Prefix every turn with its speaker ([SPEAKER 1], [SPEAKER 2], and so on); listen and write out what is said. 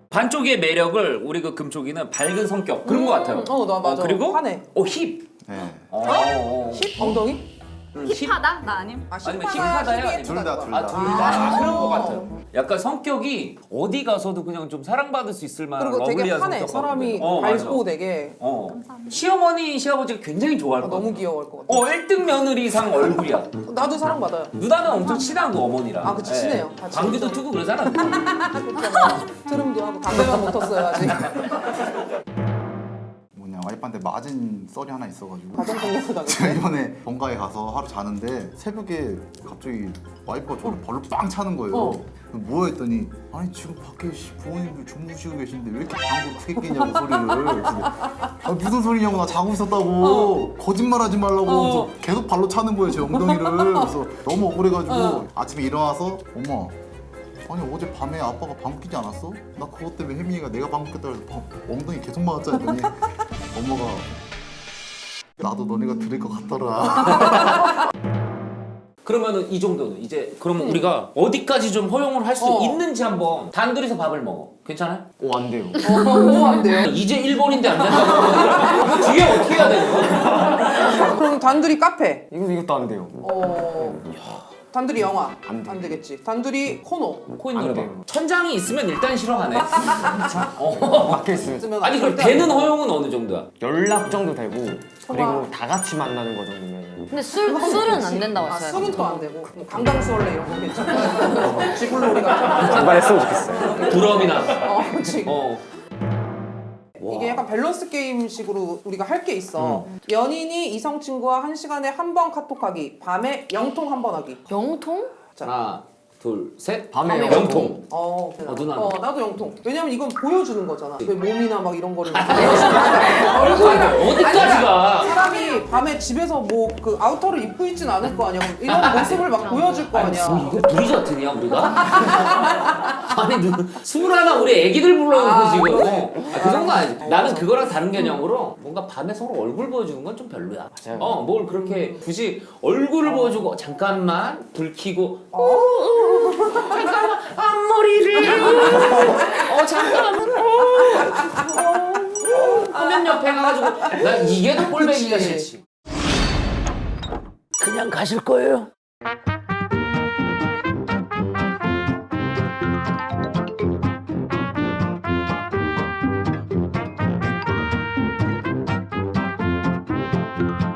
[SPEAKER 1] 반쪽의 매력을 우리 그 금쪽이는 밝은 성격 그런 거 같아요.
[SPEAKER 2] 나 맞아.
[SPEAKER 1] 그리고
[SPEAKER 2] 화내.
[SPEAKER 1] 힙.
[SPEAKER 3] 네.
[SPEAKER 2] 힙? 엉덩이?
[SPEAKER 4] 힙하다? 나 아님?
[SPEAKER 1] 아니면
[SPEAKER 2] 힙하다야,
[SPEAKER 1] 힙하다야?
[SPEAKER 2] 힙이
[SPEAKER 1] 아니면
[SPEAKER 3] 둘 다, 둘
[SPEAKER 1] 아,
[SPEAKER 3] 다.
[SPEAKER 1] 둘 다. 그런 거 같아요. 약간 성격이 어디 가서도 그냥 좀 사랑받을 수 있을 만한
[SPEAKER 2] 그리고 되게
[SPEAKER 1] 러블리한
[SPEAKER 2] 화내.
[SPEAKER 1] 성격
[SPEAKER 2] 사람이
[SPEAKER 1] 같거든요.
[SPEAKER 2] 밝고
[SPEAKER 1] 맞아.
[SPEAKER 2] 되게
[SPEAKER 1] 시어머니, 시아버지가 굉장히 좋아할 것 같아요.
[SPEAKER 2] 너무 귀여워할 것 같아.
[SPEAKER 1] 1등 며느리상 얼굴이야.
[SPEAKER 2] 나도 사랑받아요.
[SPEAKER 1] 누나는 엄청 친하고 어머니랑.
[SPEAKER 2] 아, 그치, 친해요. 같이
[SPEAKER 1] 방귀도
[SPEAKER 2] 엄청.
[SPEAKER 1] 트고 그러잖아.
[SPEAKER 2] 트름도 하고 담배만 못 텄어요 아직.
[SPEAKER 3] 뭐냐 와이프한테 맞은 썰이 하나 있어가지고
[SPEAKER 2] 가정폭력을
[SPEAKER 3] 제가
[SPEAKER 2] 당했어요.
[SPEAKER 3] 이번에 본가에 가서 하루 자는데 새벽에 갑자기 와이프가 저를 발로 빵 차는 거예요. 뭐야 했더니 아니 지금 밖에 부모님들 주무시고 계신데 왜 이렇게 방구를 크게 끼냐고 소리를. 그래서 아, 무슨 소리냐고 나 자고 있었다고 거짓말하지 말라고 그래서 계속 발로 차는 거예요 제 엉덩이를. 그래서 너무 억울해가지고 아침에 일어나서 엄마 아니 어제 밤에 아빠가 방구 끼지 않았어? 나 그것 때문에 혜민이가 내가 방구 꼈다 그래서 엉덩이 계속 맞았자 했더니 엄마가 나도 너네가 들을 것 같더라.
[SPEAKER 1] 그러면은 이 정도는 이제 그러면 우리가 어디까지 좀 허용을 할 수 있는지 한번 단둘이서 밥을 먹어. 괜찮아요?
[SPEAKER 5] 오, 안 돼요.
[SPEAKER 2] 안 돼요.
[SPEAKER 1] 이제 일본인데 안 된다고. 뒤에 어떻게 해야 되는 거야?
[SPEAKER 2] 그럼 단둘이 카페.
[SPEAKER 5] 이것도 안 돼요.
[SPEAKER 2] 단둘이 영화.
[SPEAKER 5] 안 돼.
[SPEAKER 2] 안 되겠지. 단둘이 코너.
[SPEAKER 1] 코인
[SPEAKER 5] 안
[SPEAKER 1] 노래방.
[SPEAKER 5] 돼요.
[SPEAKER 1] 천장이 있으면 일단 싫어하네.
[SPEAKER 5] 막혀 있으면
[SPEAKER 2] 있으면
[SPEAKER 1] 아니 그럼
[SPEAKER 2] 절대
[SPEAKER 1] 배는
[SPEAKER 2] 안 돼.
[SPEAKER 1] 허용은 어느 정도야?
[SPEAKER 5] 연락 정도 되고 그리고 다 같이 만나는 거 정도면
[SPEAKER 4] 근데 술은 안 된다고
[SPEAKER 2] 아,
[SPEAKER 4] 했어요.
[SPEAKER 2] 술은 또 안 되고. 뭐 강강수월래 이런 거 괜찮아. 지불놀이 같은
[SPEAKER 5] 반발했으면 좋겠어요.
[SPEAKER 1] 부럼이나.
[SPEAKER 2] 거. 그치. 이게
[SPEAKER 1] 와.
[SPEAKER 2] 약간 밸런스 게임식으로 우리가 할 게 있어. 연인이 이성 친구와 한 시간에 한 번 카톡하기. 밤에 영통 한 번 하기.
[SPEAKER 4] 영통?
[SPEAKER 1] 하나, 둘, 셋.
[SPEAKER 5] 밤에
[SPEAKER 1] 영통. 누나는?
[SPEAKER 2] 나도 영통. 왜냐면 이건 보여주는 거잖아. 왜 몸이나 막 이런 거를 얼굴이랑
[SPEAKER 1] 어디까지가?
[SPEAKER 2] 사람이 밤에 집에서 뭐 그 아우터를 입고 있진 않을 거 아니야. 그럼 이런 모습을 막 보여줄 거 아니야.
[SPEAKER 1] 이게 브리저튼이야 우리가? 아니 21 우리 애기들 불러놓고 지금 그 정도 아니지. 나는 그거랑 다른 개념으로 뭔가 밤에 서로 얼굴 보여주는 건 좀 별로야.
[SPEAKER 5] 맞아요.
[SPEAKER 1] 뭘 그렇게 굳이 얼굴을 보여주고 잠깐만 불 켜고 잠깐만 앞머리를 잠깐만 화면 옆에 가가지고 난 이게 더 꼴배기가
[SPEAKER 2] 그치.
[SPEAKER 1] 싫지. 그냥 가실 거예요?